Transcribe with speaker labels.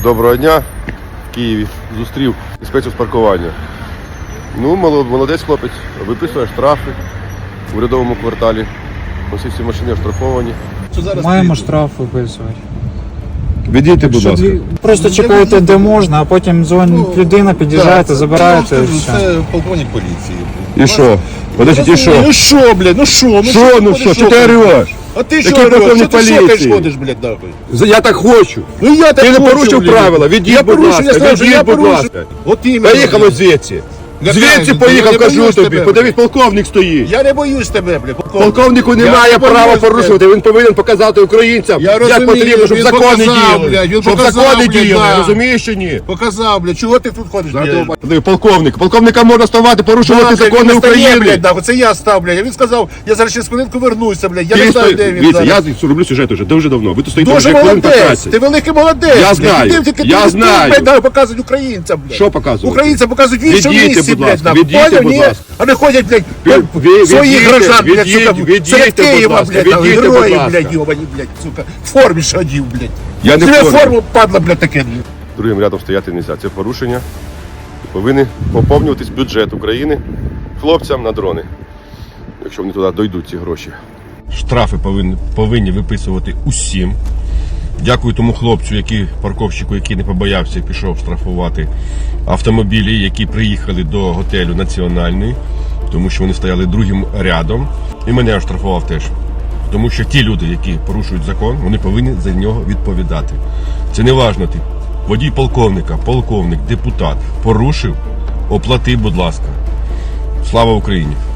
Speaker 1: Доброго дня. В Києві зустрів інспекцію з паркування. Ну, молодець хлопець, виписує штрафи в урядовому кварталі. Ось всі машини оштрафовані.
Speaker 2: Маємо штраф виписувати.
Speaker 1: Відійте, будь ласка.
Speaker 2: Просто чекаєте, де можна, а потім дзвонить людина, під'їжджаєте, забираєте. І все.
Speaker 3: Це полковник поліції.
Speaker 1: І що? Подождіть, і що?
Speaker 3: Ну що, блядь, ну що?
Speaker 1: Що ти ореш?
Speaker 3: А ти що
Speaker 1: Який
Speaker 3: ореш?
Speaker 1: полковник
Speaker 3: Що ти шокаєш,
Speaker 1: поліції?
Speaker 3: ходиш, блядь, нахуй?
Speaker 1: Я так хочу.
Speaker 3: Ну я так
Speaker 1: Ти не
Speaker 3: хочу,
Speaker 1: порушив
Speaker 3: блядь.
Speaker 1: правила. Відійдь, будь ласка.
Speaker 3: Я сказав, що я
Speaker 1: Відійдь, будь
Speaker 3: порушив.
Speaker 1: ласка.
Speaker 3: От іменно.
Speaker 1: Поїхали звідси. Звідси поїхав, кажу тобі. Подивись, полковник стоїть.
Speaker 3: Я не боюсь тебе, блядь.
Speaker 1: Полковнику немає права порушувати, він повинен показати українцям,
Speaker 3: Я
Speaker 1: як
Speaker 3: розумію,
Speaker 1: потрібно, щоб
Speaker 3: він
Speaker 1: закони
Speaker 3: показав, блядь,
Speaker 1: діяли.
Speaker 3: він
Speaker 1: Щоб
Speaker 3: показав,
Speaker 1: закони
Speaker 3: блядь,
Speaker 1: діяли,
Speaker 3: да.
Speaker 1: розумієш чи ні?
Speaker 3: Показав, блядь, чого ти тут ходиш, блядь?
Speaker 1: Полковника можна ставати, порушувати закони України.
Speaker 3: Блядь, нахуй, це я став, блядь. А він сказав, я зараз через хвилинку вернуся, блядь. Я не знаю, де він
Speaker 1: Дивіться,
Speaker 3: зараз.
Speaker 1: я роблю сюжет вже дуже давно. Ви тут стоїте
Speaker 3: Дуже
Speaker 1: вже хвилин
Speaker 3: молодець,
Speaker 1: 15.
Speaker 3: ти великий молодець.
Speaker 1: Я
Speaker 3: блядь.
Speaker 1: знаю,
Speaker 3: Ти тільки
Speaker 1: я
Speaker 3: ти,
Speaker 1: знаю.
Speaker 3: блядь, показують українцям, блядь.
Speaker 1: Що показувати?
Speaker 3: Українцям показують в іншому
Speaker 1: Відійдьте,
Speaker 3: місці,
Speaker 1: будь
Speaker 3: блядь,
Speaker 1: ласка,
Speaker 3: нахуй.
Speaker 1: відійдьте,
Speaker 3: Поняв,
Speaker 1: будь
Speaker 3: ні?
Speaker 1: ласка.
Speaker 3: А не ходять, блядь, своїх
Speaker 1: Відійдьте,
Speaker 3: граждан, блядь, сука,
Speaker 1: відійдьте,
Speaker 3: серед
Speaker 1: будь
Speaker 3: Києва,
Speaker 1: ласка,
Speaker 3: блядь, нахуй,
Speaker 1: відійдьте, будь
Speaker 3: герої,
Speaker 1: ласка.
Speaker 3: блядь, йобані, блядь, сука, в формі шадів, блядь.
Speaker 1: Я не в
Speaker 3: Тебе
Speaker 1: формі.
Speaker 3: форму, падла, блядь, таке.
Speaker 1: Другим рядом стояти не можна. Це порушення. Повинен поповнюватись бюджет України хлопцям на дрони, якщо вони туди дійдуть, ці гроші. Штрафи повинні виписувати усім. Дякую тому хлопцю, парковщику, який не побоявся і пішов штрафувати автомобілі, які приїхали до готелю Національний, тому що вони стояли другим рядом. І мене оштрафував теж. Тому що ті люди, які порушують закон, вони повинні за нього відповідати. Це не важно, ти водій полковника, полковник, депутат. Порушив, оплати, будь ласка. Слава Україні!